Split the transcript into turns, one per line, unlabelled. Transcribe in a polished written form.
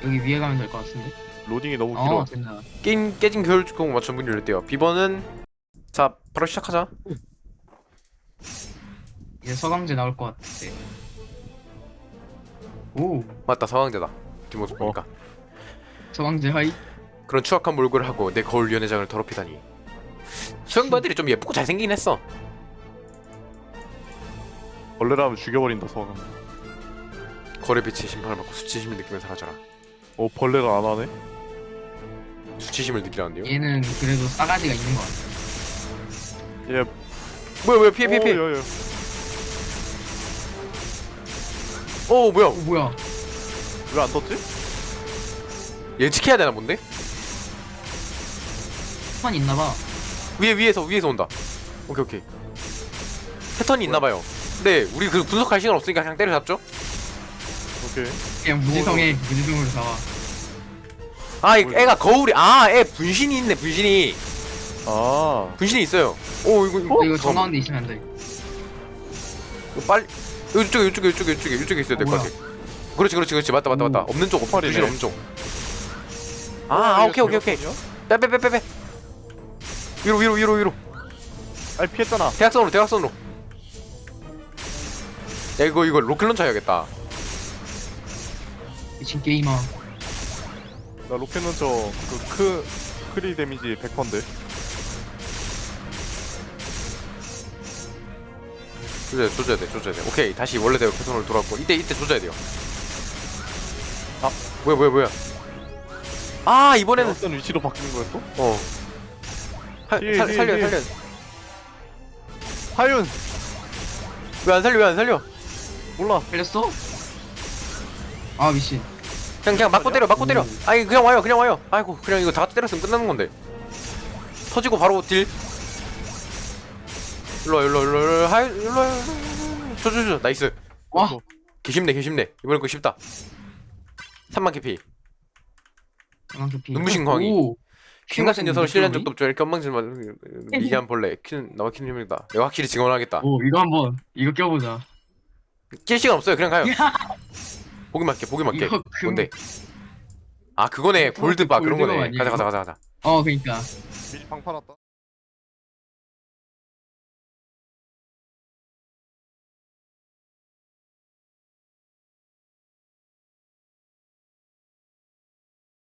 여기 위에 가면 될 것 같은데.
로딩이 너무 길어.
됐나.
게임 깨진 겨울주공 맞춤 문이 열렸대요. 비번은 자 바로 시작하자.
이제 서강제 나올 것 같아. 오,
맞다 서강제다. 뒷모습 보니까
서강제 하이.
그런 추악한 몰골을 하고 내 거울 연회장을 더럽히다니. 수영바들이 좀 예쁘고 잘생긴 했어.
벌레라면 죽여버린다 서강.
거래 빛의 심판을 받고 수치심을 느끼며 사라져라.
벌레가 안 하네.
수치심을 느끼라는데요?
얘는 그래도 싸가지가 있는 것 같아.
얘
뭐야 피해.
야.
오 뭐야?
뭐야?
왜 안 떴지?
예측해야 되나 본데?
판 있나봐.
위에서 온다. 오케이. 패턴이 있나봐요. 근데 우리 그 분석할 시간 없으니까 그냥 때려잡죠?
오케이.
그냥 무지성으로 잡아.
아 애가 거울이 애 분신이 있네. 분신이 있어요. 오 이거
이거 정가운데 있으면 안 돼.
이거 빨리 이쪽에 있어야 될 것 같아. 그렇지 맞다. 없는 쪽
팔이네.
분신 없는 쪽. 오케이. 빼. 위로.
아니 피했잖아.
대각선으로. 야 이거 로켓 런처 해야겠다.
미친 게이머.
나 로켓 런처 그 크리 데미지 100%인데.
조져야 돼. 오케이 다시 원래대로 패턴으로 돌아왔고 이때 조져야 돼요. 뭐야? 이번에는
어떤 위치로 바뀌는 거였어?
살려.
하윤
왜 안 살려?
몰라.
걸렸어? 아 미친.
그냥 맞고 때려. 아니 그냥 와요. 아이고 그냥 이거 다 같이 때렸으면 끝나는 건데. 터지고 바로 딜. 일로 와. 줘. 나이스.
와.
개쉽네. 이번엔 거 쉽다. 3만 캐피. 눈부신 광희.
오.
퀸 같은 녀석을 신뢰한 적도 없죠. 이렇게 엉망진만 미개한 벌레. 퀸은 나와 퀸 힘이다. 이거 확실히 증언하겠다.
오 이거 껴보자.
낄 시간 없어요. 그냥 가요. 보기 맞게.
이거
뭔데? 그거네. 골드바 그런
골드바
거네.
아니에요?
가자.
그니까.
미리 방파 났다.